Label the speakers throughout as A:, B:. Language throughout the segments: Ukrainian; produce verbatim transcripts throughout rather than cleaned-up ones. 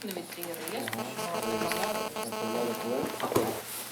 A: Дивіться, є реєстр.
B: А коли?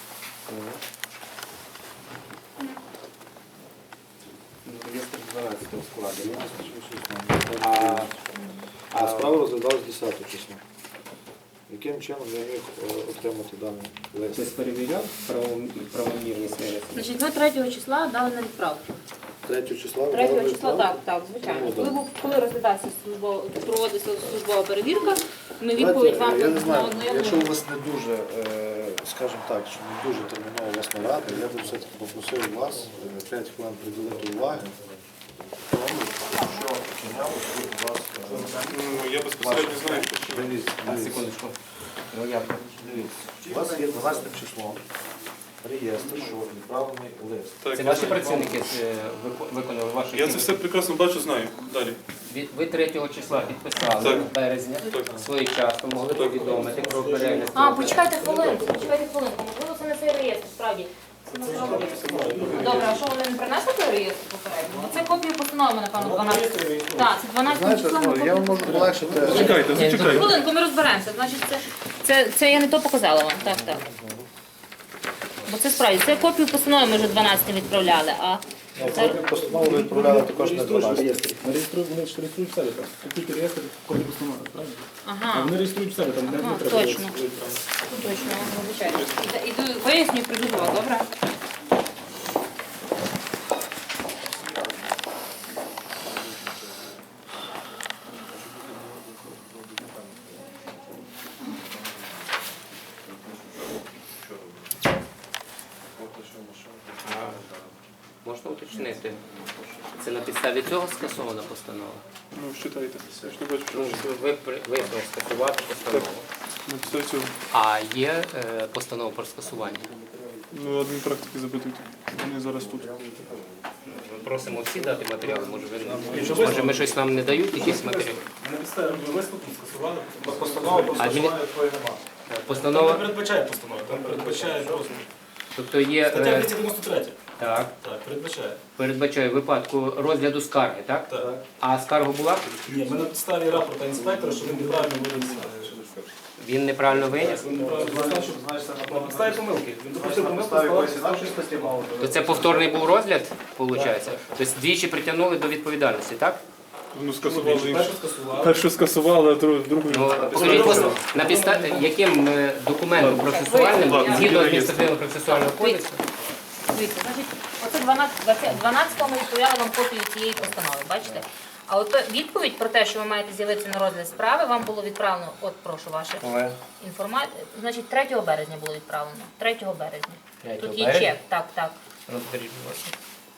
B: Реєстр дванадцятого складений. А,
C: А справа розглядалась десятого числа. Яким чином я міг е, отримати даний лист?
B: хтось перевіряв правом- правомірність винесення?
A: Значить, ми третього числа дали на відправку.
C: третього числа? ви
A: третього
C: дали
A: числа,
C: відправку?
A: так, так, звичайно.
C: Ну,
A: Коли,
C: да.
A: був- коли розглядався службова, проводиться службова перевірка, ми
C: Знаєте,
A: відповідь вам
C: я не знаю,
A: на
C: якщо у вас не дуже, е, скажімо так, що не дуже терміново вас нарада, я би все-таки попросив вас е, п'ять хвилин приділити уваги тому, що мінялося у вас. е,
D: Ну, я безпосередньо знаю, що
C: Дивіться,
B: А,
C: дивіться.
B: секундочку. Ну, я
C: Дивіться, у вас є дванадцятим числом реєстр, що відправлений лист.
D: так,
B: Це
D: я
B: ваші
D: знаю.
B: працівники е, вико- виконали ваші
D: Я це все прекрасно бачу, знаю. Далі.
B: Ви- Ви третього числа підписали
D: Так.
B: березня
D: Так.
B: своєчасно, могли повідомити про перегляд.
A: А, почекайте хвилинку, почекайте хвилинку. Можливо, це не цей реєстр, справді. Це насправді. Добре, а що вони не принесли той реєстр попередньо? Бо це копію постанови, напевно, дванадцятого. Так, це дванадцятого
C: Знаєте,
A: числа. ми
C: ну, я вам
A: копію-
C: можу полегшити.
D: Зачекайте, зачекайте.
A: Хвилинку, ми розберемося. Значить, це, це, це я не то показала вам. Так, так. Бо це справді, це копію постанови ми вже дванадцятого відправляли, а це...
C: Постанову ви відправляли також на дванадцятий.
E: Вони реєструють, вони ж реєструють в себе там. Тут тільки реєстр копії постанови, правильно? А
A: Ага,
E: вони реєструють в себе, там не
A: Ага,
E: не треба.
A: точно. точно, вибачайте. Іду, поясню, прийду до вас, добре?
B: Можна уточнити? Це на підставі цього скасована постанова?
D: Ну, считайте. Я ж не бачу, що
B: Ну,
D: ви
B: ви при- визнали скасувати постанову.
D: на підставі цього.
B: А є е, постанова про скасування?
D: Ну, адмінпрактики запитуйте. Вони зараз тут.
B: Ми просимо всі дати матеріали, може ви може ми щось нам не дають, якісь матеріали?
E: На підставі висновку скасували.
C: Постанова про
B: А він-
C: скасування твоєї немає.
E: Там не
B: Постанова,
E: передбачає постанову, там передбачає просто.
B: тобто є,
E: Стаття
B: е,
E: двісті дев'яносто три.
B: так,
E: Так, передбачає.
B: передбачає випадку розгляду скарги, так?
E: Так.
B: А скарга була?
E: Ні, ми на підставі рапорта інспектора, що він неправильно виніс.
B: Він неправильно виніс?
E: Він неправильно виніс.
C: Знаєш, це
E: На підставі помилки. Він допустив
C: на
E: помилку,
C: підставі
E: склав
C: якоїсь інакшої статті мало.
B: То це повторний був розгляд, виходить? Тобто двічі притягнули до відповідальності, так?
D: Ну, скасували інше.
E: першу скасували.
D: Першу скасували, а другу другу.
B: Ну, скажіть, будь ласка, на підставі яким е, документом процесуальним,
D: Ладно,
B: згідно
D: я-
B: адміністративного процесуального кодексу,
A: Дивіться, значить, оце дванадцятого, дванадцятого ми відправляли вам копію цієї постанови, бачите? А от відповідь про те, що ви маєте з'явитися на розгляд справи, вам було відправлено, от прошу ваша інформація, значить третього березня було відправлено. третього березня.
B: третього
A: Тут є
B: березня?
A: чек, так, так.
B: розберіть, будь ласка.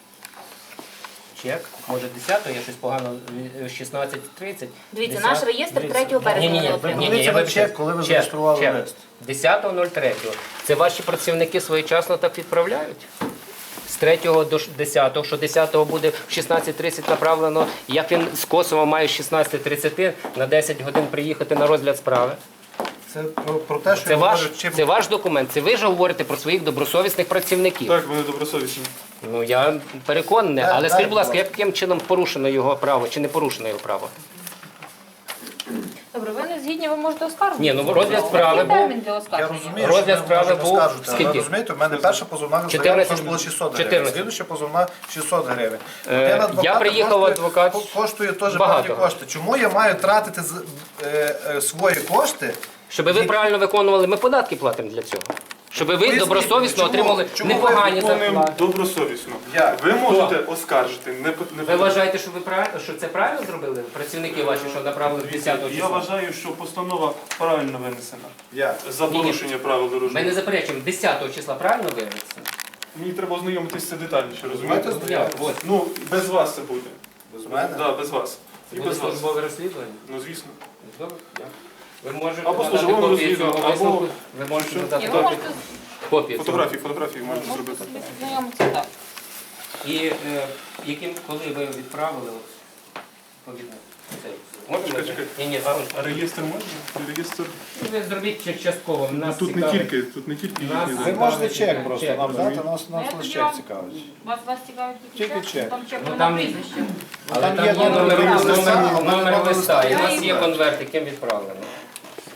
B: Чек, може десятого, я щось погано, е, шістнадцять тридцять.
A: Дивіться, наш реєстр третього березня
B: Ні, ні,
A: ми
B: ні,
A: отримали.
B: ні, ні, я
C: Це
B: вибачаю.
C: чек, коли ви
B: Чек,
C: зареєстрували
B: чек.
C: лист.
B: десятого третього. Це ваші працівники своєчасно так відправляють? З третього до ш- десятого, що десятого буде в шістнадцять тридцять направлено, як він з Косова має з шістнадцять тридцять на десять годин приїхати на розгляд справи.
C: Це про, про те, що
B: Це
C: я
B: ваш,
C: говорю, чим
B: це ваш документ, це ви ж говорите про своїх добросовісних працівників.
D: Так, вони добросовісні.
B: Ну я переконаний,
C: Дай-
B: але
C: дай,
B: скажіть, будь
C: будь
B: ласка,
C: ласка.
B: яким чином порушено його право чи не порушено його право?
A: Добре, ви не згідні, ви можете оскаржити.
B: Ні, ну розгляд справи
A: Який
B: був.
A: термін для
C: я
A: оскарження?
C: розумію,
B: Розгляд
C: що ви
B: справи
C: можете
B: був
C: скажете, але
B: скільки?
C: розумієте, у мене перша позовна заява
B: чотирнадцять
C: коштувала шістсот гривень,
B: чотирнадцять.
C: слідуюча позовна шістсот гривень.
B: Е,
C: Один
B: я
C: адвокат
B: приїхав,
C: коштує-
B: адвокат
C: ко- коштує теж
B: багато.
C: певні кошти. Чому я маю тратити з- е, е, свої кошти?
B: Щоб ви правильно виконували, ми податки платимо для цього. Щоб ви
C: Поясніть,
B: добросовісно
C: чому-
B: отримали
C: чому ви
B: непогані
D: Виконуємо
B: зарплати.
D: добросовісно.
C: Як?
D: Ви можете оскаржити. Не, по- не
B: Ви вважаєте, що ви правильно, що це правильно зробили? Працівники ваші, що направили десятого
D: Я
B: числа?
D: вважаю, що постанова правильно винесена.
C: Як?
D: За
B: Ні-ні.
D: порушення правил
B: Ми
D: дорожнього.
B: не заперечуємо, десятого числа правильно виявиться?
D: Мені треба ознайомитися розумієте, розумієте?
C: Давайте
B: Я, ось.
D: Ну, без вас це буде.
C: Без мене?
D: Да, без вас. І
B: Буде
D: без вас.
B: службове розслідування?
D: Ну, звісно.
B: Добре, дякую. Ви можете
D: Або
B: надати
D: службове
B: копію
D: розслідування,
B: цього
D: або-
B: висновку. Ви можете
D: Що?
B: надати
A: І ви
B: копію.
A: можете,
B: Копію цього.
D: Фотографії, фотографії можете
A: можете
D: зробити.
A: собі знайомитися, так.
B: І е, яким, коли ви відправили от, відповідно, цей? Можна?
D: Чекай,
B: ми-
D: чекай.
B: Ні, ні,
D: А
B: секундочку.
D: реєстр можна? Реєстр.
B: Ви зробіть чек частково.
D: Ну,
B: Нас
D: тут не
B: цікавить-
D: тільки, тут не тільки
B: Нас-
D: їхні
C: Ви
D: дані.
C: можете чек просто
B: Чек,
C: нам
B: розумію.
C: дати, нас
A: Ну, я
C: нас
A: тоді
C: лише
A: вам-
C: чек цікавить.
A: Вас, вас цікавить тільки
C: Тільки
A: чек?
C: чек.
A: Там чек
B: Ну,
A: на
B: там-
A: прізвище.
B: Але
C: Там
B: там
C: є
B: є номер,
C: номер
B: номер,
C: листа,
B: номер,
C: номер
B: листа, і у
A: листа.
B: нас є конверт, яким відправлено.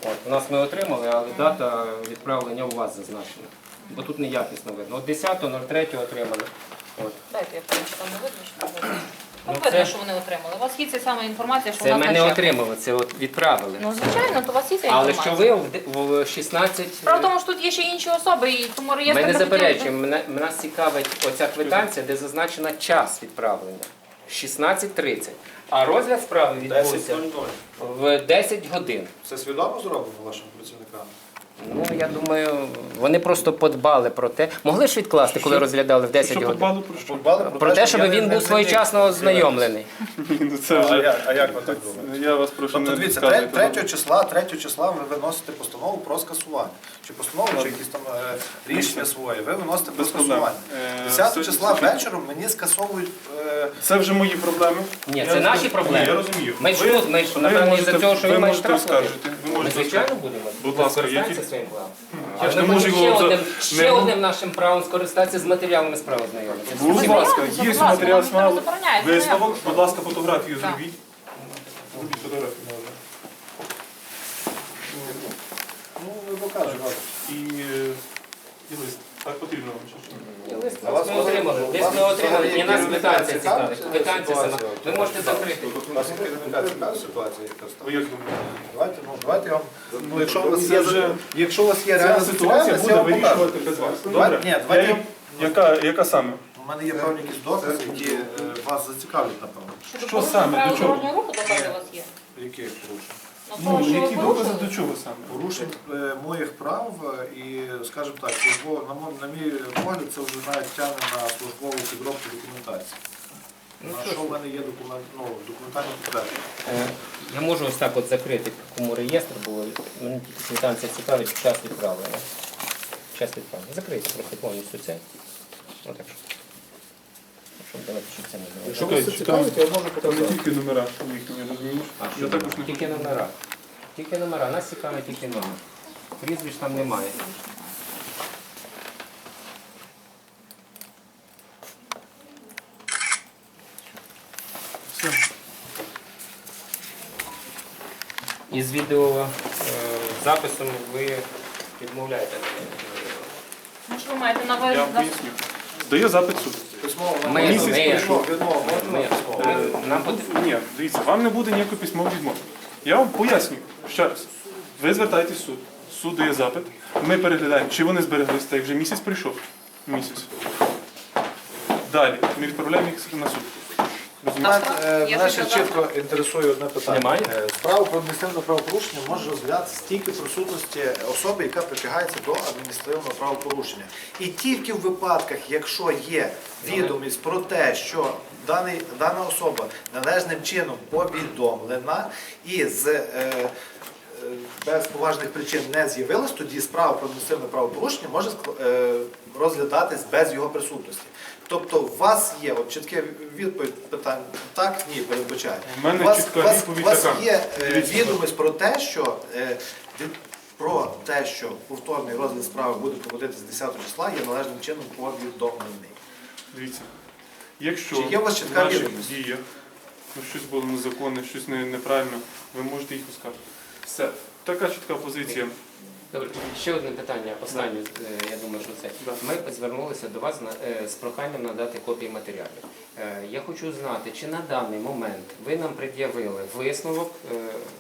B: От, у нас ми отримали, але дата відправлення у вас зазначена. Бо тут неякісно видно. От десятого третього отримали. От.
A: Дайте я подивлюсь, там не видно, що не видно.
B: Ну,
A: Ну, видно,
B: це-
A: що вони отримали. У вас є ця сама інформація, що у
B: Це
A: нас
B: ми
A: на
B: не
A: чеку.
B: отримали, це от відправили.
A: Ну, звичайно, то у вас є ця
B: Але
A: інформація.
B: що ви в де- в шістнадцять...
A: Справа в тому, що тут є ще інші особи, і тому реєстр
B: Ми не
A: би хотів би-
B: заперечуємо, мене, нас цікавить оця квитанція, де зазначена час відправлення. шістнадцять тридцять. А розгляд справи відбувся
C: десять нуль нуль.
B: в десять годин.
C: Це свідомо зроблено вашим працівникам?
B: Ну, я думаю, вони просто подбали про те. Могли ж відкласти, коли
D: Що?
B: розглядали в десять
D: Що
B: годин?
D: подбали про що?
C: Подбали
B: Про те, щоб
C: я не-
B: він
C: не
B: був своєчасно
C: зрозумів.
B: ознайомлений.
D: Ні, ну це
C: А
D: вже...
C: як, а як ви так думаєте?
D: Я вас прошу
C: Тобто,
D: не
C: дивіться,
D: підказуйте.
C: третього числа, третього числа ви виносите постанову про скасування. Чи постанову, чи якісь там е, рішення своє. Ви виносите про
D: Без проблем.
C: скасування.
D: Е,
C: десятого
D: все-
C: числа
D: все-
C: вечором мені скасовують. е,
D: Це вже мої проблеми.
B: Ні,
D: Я
B: це наші
D: розумію.
B: проблеми.
D: Ні, я розумію.
B: Ми ж
D: Ви-
B: тут, ми ж,
D: ви
B: напевно,
D: можете-
B: із-за цього, що
D: ви
B: він має
D: можете
B: штраф платити.
D: оскаржити. Ви
B: Ми,
D: можете
B: звичайно,
D: оскаржити.
B: будемо.
D: Будь ласка,
B: Скористаємося
D: які-
B: своїм правом.
D: Я
B: А
D: ж
B: ми
D: не
B: можемо
D: можу
B: ще
D: його за-
B: одним,
D: не
B: ще
D: мо-
B: одним нашим правом скористатися з матеріалами справи знайомитися.
D: Будь ласка,
A: Знайомтеся,
D: є
A: будь ласка,
D: матеріал
A: вам ніхто не
D: справи.
A: забороняє,
D: Висновок,
A: знайомтеся.
D: будь ласка, фотографію
A: Так.
D: зробіть. Зробіть фотографію. можна.
C: Ну, ви покажете.
D: І, е, і лист. Так потрібно вам чи що?
B: Лист
C: А вас
B: ми отримали.
C: вас
B: Лист ми отримали.
C: взагалі
B: І нас
C: керівника
B: квитанція
C: цікавить
B: цікавить. Квитанція сама.
C: ситуація?
B: Ви можете закрити.
C: Вас керівника цікавить ситуація, яка
D: Ви
C: стала?
D: як думаєте?
C: Давайте, ну, давайте я вам. Ну, якщо у вас
D: Це
C: є,
D: вже-
C: якщо у вас є
D: Ця
C: реальна
D: ситуація
C: цікавість, я
D: буде
C: вам покажу.
D: вирішувати без вас.
C: Давайте-
D: Добре.
C: ні, давайте-
D: Я їм- Яка, яка саме?
C: У мене є певні якісь докази, які е, вас зацікавлять, напевно.
A: Щодо
D: Що
A: порушення
D: саме?
A: правил
D: До чого?
A: дорожнього руху докази у вас є?
C: Які порушення?
A: На
D: Ну,
A: того, що ви
D: які докази
A: порушили?
D: до чого саме?
C: Порушень е, моїх прав е, і, скажімо так, службово, на, мо- на мій погляд, це вже навіть тягне на службову підробку документації. На що в мене є документ, ну, документальні підтвердження.
B: Е, Я можу ось так от закрити кому реєстр, бо мені тільки квитанція цікавить час відправлення. Час відправлення. Закрийте просто повністю це. Отак. Щоб давайте, щоб це не було.
E: Якщо вас це цікавить, я можу
D: Там не
E: показати.
D: тільки номера їхні, розумієш?
B: А,
D: Я також не
B: тільки номера. Тільки номера. Нас цікавить тільки номер. Прізвищ там немає.
D: Все.
B: Із відео е, записом ви відмовляєте.
A: Ну, що ви маєте на
D: Я
A: увазі?
D: вам поясню. Здає запит суд.
C: Письмово
B: Ми-
C: на місяць
B: ми-
C: прийшов, відмова,
B: Ми,
C: можна письмово?
B: ми, нам потрібно.
D: Ні, дивіться, вам не буде ніякої письмової відмови. Я вам поясню ще раз. Ви звертаєтесь в суд. Суд дає запит. Ми переглядаємо, чи вони збереглися, так як вже місяць прийшов. Місяць. Далі. Ми відправляємо їх на суд. Розумієте?
A: Так.
C: Мене, е,
A: Я
C: мене
A: ще
C: ще
A: казала.
C: чітко інтересує одне питання.
B: Немає?
C: Е, Справа про адміністративне правопорушення може розглядатися тільки в присутності особи, яка притягається до адміністративного правопорушення. І тільки в випадках, якщо є відомість про те, що даний, дана особа належним чином повідомлена і з е, е, без поважних причин не з'явилась, тоді справа про адміністративне правопорушення може ск- е, розглядатись без його присутності. Тобто у вас є от чітке відповідь питань так, ні, передбачає.
D: В мене
C: У вас,
D: чітка
C: у вас,
D: відповідь
C: у вас
D: така.
C: є е,
D: Дивіться.
C: відомість про те, що е, від- про те, що повторний розгляд справи буде проводитися десятого числа, є належним чином повідомлений.
D: Дивіться. Якщо
C: Чи є у вас чітка
D: в наших
C: відповідь?
D: діях ну, щось було незаконне, щось не- неправильно, ви можете їх оскаржити. Все. Така чітка позиція.
B: Добре, ще одне питання, останнє, е, я думаю, що це.
D: Да.
B: Ми звернулися до вас на- е, з проханням надати копії матеріалів. Е, Я хочу знати, чи на даний момент ви нам пред'явили висновок е,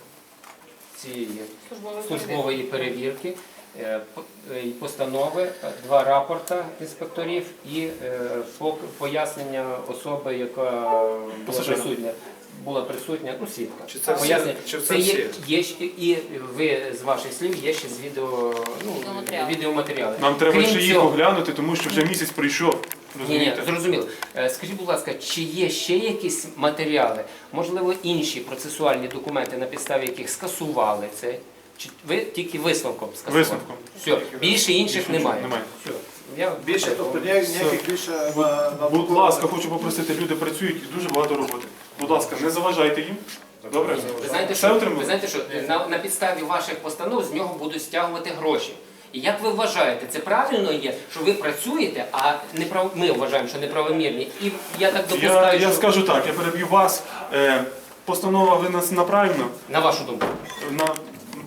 B: цієї
A: Службової
B: службової перевірки, е, по- е, і постанови, е, два рапорта інспекторів і е, пок- пояснення особи, яка була
D: Пасажира.
B: присутня. Була присутня, ну, свідка.
C: Чи це всі?
B: Пояснення.
C: Чи це
B: Це є,
C: всі?
B: є ще- і ви з ваших слів є ще з відео, ну,
A: Відеоматеріали.
B: відеоматеріали.
D: Нам треба
B: Крім
D: ще їх
B: цього-
D: оглянути, тому що вже місяць прийшов.
B: Ні, ні,
D: Розумієте?
B: зрозуміло. Е, Скажіть, будь ласка, чи є ще якісь матеріали, можливо, інші процесуальні документи, на підставі яких скасували це? Чи ви тільки висновком скасували?
D: Висновком.
B: Все, більше інших
D: Більше
B: немає.
D: немає.
B: Все. Я
C: Більше, тобто ніяких ніяких більше на, на
D: Будь ласка, хочу попросити, люди працюють і дуже багато роботи. Будь ласка, не заважайте їм. Добре?
B: Ви знаєте,
D: Все
B: що,
D: отримали?
B: ви знаєте, що на, на підставі ваших постанов з нього будуть стягувати гроші. І як ви вважаєте, це правильно є, що ви працюєте, а неправ... ми вважаємо, що неправомірні. І я так
D: Я,
B: допускаю,
D: я
B: що
D: скажу так, я переб'ю вас. Е, постанова винесена правильно.
B: на вашу думку.
D: На,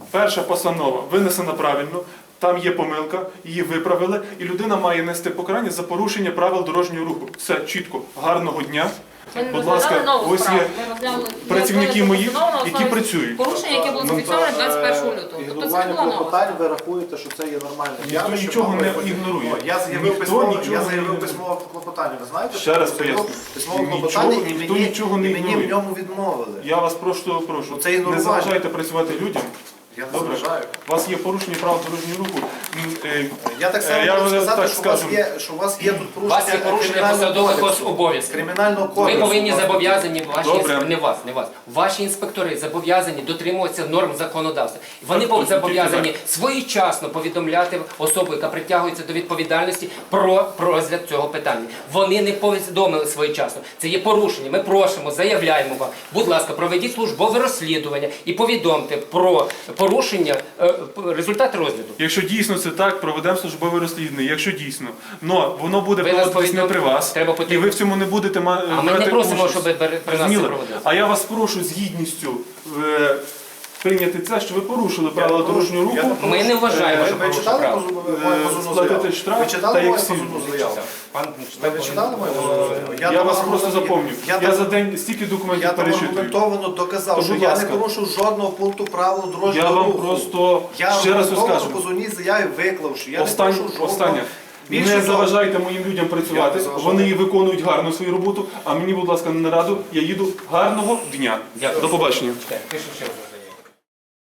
D: перша постанова винесена правильно, там є помилка, її виправили, і людина має нести покарання за порушення правил дорожнього руху. Все чітко, гарного дня.
A: Ми не
D: Будь
A: розглядали
D: ласка,
A: нову
D: ось
A: справу.
D: є
A: Ми розглянули
D: працівники
A: нову
D: мої,
A: постанову на
D: які
A: основі
D: працюють.
A: Порушення, яке було зафіксоване двадцять першого лютого. Тобто це не
C: Ігнорування
A: була нова.
C: клопотань, ви рахуєте, що це є нормальне
D: Ніхто
C: явище,
D: нічого
C: воно
D: не
C: виходить.
D: ігнорує.
C: О, Я заявив
D: Ніхто
C: письмове,
D: нічого
C: я
D: не
C: заявив
D: ігнорує.
C: письмове клопотання. Ви знаєте,
D: Ще раз
C: що заявив
D: поясню.
C: письмове
D: Нічого-
C: клопотання, і
D: ніхто
C: мені,
D: нічого не
C: і мені
D: ігнорує.
C: в ньому відмовили.
D: Я вас просто прошу,
C: Це
D: не
C: ігнорування.
D: заважайте працювати людям.
C: Я не
D: Добре?
C: заважаю.
D: У вас є порушення правил дорожнього руху. М, е,
C: Я так само
D: Е, я
C: можу
D: вже
C: сказати,
D: так
C: що, у вас
D: скажу.
C: є, що у вас є тут
B: У вас є
C: порушення
B: порушення
C: кримінального
B: посадових
C: кодексу.
B: обов'язків.
C: Кримінального
B: Ви
C: кодексу.
B: повинні
C: у вас.
B: зобов'язані, ваші
D: Добре.
B: інсп- не вас, не вас. Ваші інспектори зобов'язані дотримуватися норм законодавства. І вони
D: Так,
B: будуть
D: точно,
B: зобов'язані
D: тільки
B: своєчасно повідомляти особу, яка притягується до відповідальності, про, про розгляд цього питання. Вони не повідомили своєчасно. Це є порушення. Ми просимо, заявляємо вам. Будь ласка, проведіть службове розслідування і повідомте про порушення, е, п- результат розгляду.
D: Якщо дійсно це так, проведемо службове розслідування. Якщо дійсно, но воно буде
B: Ви нас
D: проводитись не
B: повідом-
D: при вас,
B: Треба
D: і
B: потрібно-
D: ви в цьому не будете ма-
B: А ми не
D: брати
B: просимо,
D: участь.
B: щоб при нас це
D: Зрозуміли?
B: проводилось.
D: А я вас прошу з гідністю е, прийняти це, що ви порушили правила дорожнього руху.
C: Я
B: Ми не вважаємо,
C: Ви,
B: що
C: ви
B: порушив
C: читали
B: право.
C: позовну
D: Е,
C: мою позовну
D: сплатити
C: заяву?
D: штраф
C: Ви
D: та
C: читали
D: як
C: мою
D: всі.
C: позовну заяву?
B: Пан
C: Ви читали мою позовну заяву?
D: Я,
C: там
D: вас
C: аргумент-
D: просто запомню.
C: Я,
D: Я,
C: там-
D: за день стільки документів
C: Я там
D: перечитую.
C: аргументовано доказав,
D: То,
C: що
D: будь
C: я
D: ласка.
C: не порушив жодного пункту правил дорожнього
D: Я вам
C: руху.
D: просто
C: Я
D: ще раз
C: аргументовано
D: розкажу.
C: в позовній заяві виклав, що я
D: Останнє,
C: не порушив жодного.
D: останнє.
C: Більше
D: Не
C: того,
D: заважайте моїм людям
C: Я
D: працювати.
C: не заважаю.
D: Вони виконують гарно свою роботу, а мені, будь ласка, на нараду. Я їду гарного дня.
B: Дякую.
D: До побачення.
B: Пишу ще раз.